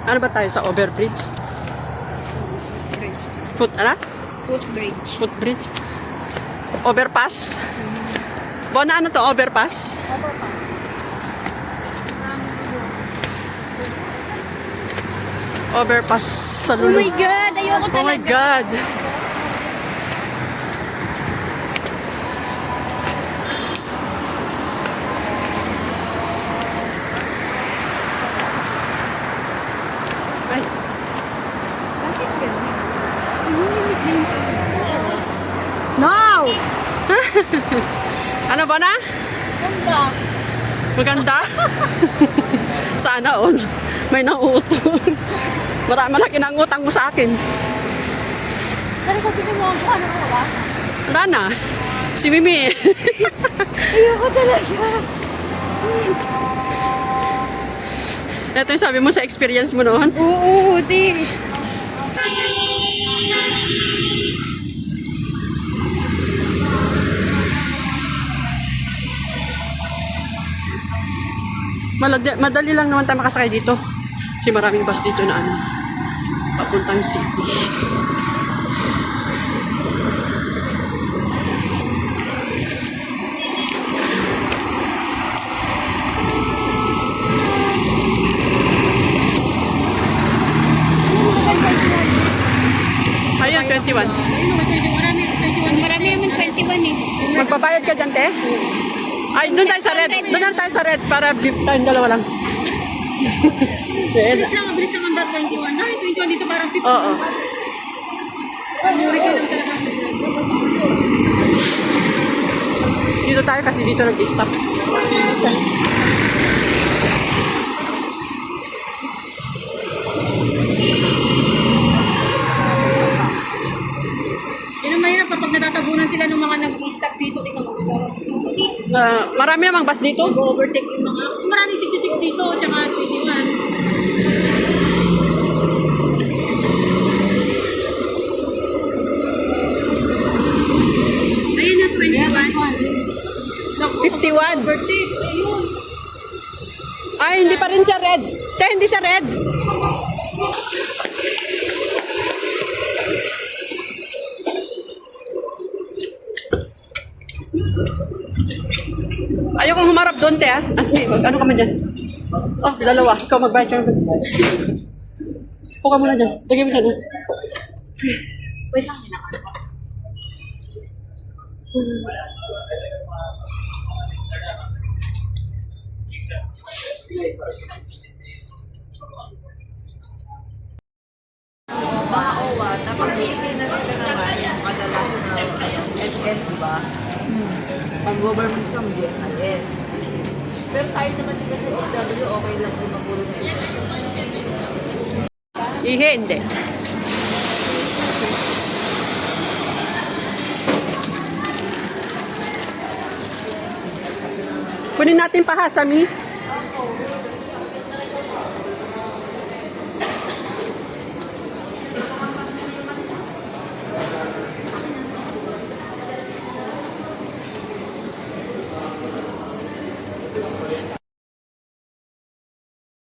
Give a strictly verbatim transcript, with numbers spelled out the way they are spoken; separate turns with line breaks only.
Ano ba tayo sa overbridge?
Bridge.
Foot, ano?
Footbridge.
Footbridge? Overpass? Bona, ano to? Overpass? Overpass sa
Oh
Lulu.
my God! Ayoko
Oh my
talaga.
God! Ay,
Bakit ganun? No!
ano ba na?
Ganda.
Maganda? Sana all. May nauutong. Marami na kinangutang mo sa akin.
Pero pag pinuha ko, ano ko ba?
Wala na. Si Mimi.
Ayoko talaga.
Ito yung sabi mo sa experience mo noon.
Oo, di.
Maladi, madali lang naman tayo makasakay dito. Kasi maraming bus dito na ano, papuntang city. Ayan, twenty-one.
Marami naman twenty-one eh.
Magbabayad ka dyan, te? Ay, doon tayo sa red. Doon lang tayo sa red para beef tayong dalawa lang. Red.
Bilis lang, mabilis naman ba twenty-one? Ay, twenty-one dito parang fifty.
Oo.
Muri ka lang talaga.
Dito tayo kasi dito nag-stop.
Yun ang mahirap kapag natatabunan sila ng mga nag-stop dito. Tingnan mo.
Uh, marami namang bus dito.
Nag-overtake yung mga... Kasi maraming sixty-six dito, tsaka twenty-one. Ayun na, twenty-one.
fifty-one.
Overtake, ayun.
Ay, hindi pa rin siya red. Te, hindi siya red. Ayokong humarap doon, te, ah. Ay, mag- ano ka man dyan? Oh, dalawa. Ikaw magbayad ka. Upo ka muna dyan. Lagay mo dyan. ah.
Wait lang, hinakal ko.
Ba-owa, tapos i-sinas naman yung kadalasan na ano, S S, di ba? Pag government ka, G S I S. Pero tayo naman din kasi O W, okay lang din magulong na S S.
Ihe, hindi. Kunin natin pa ha, Sami.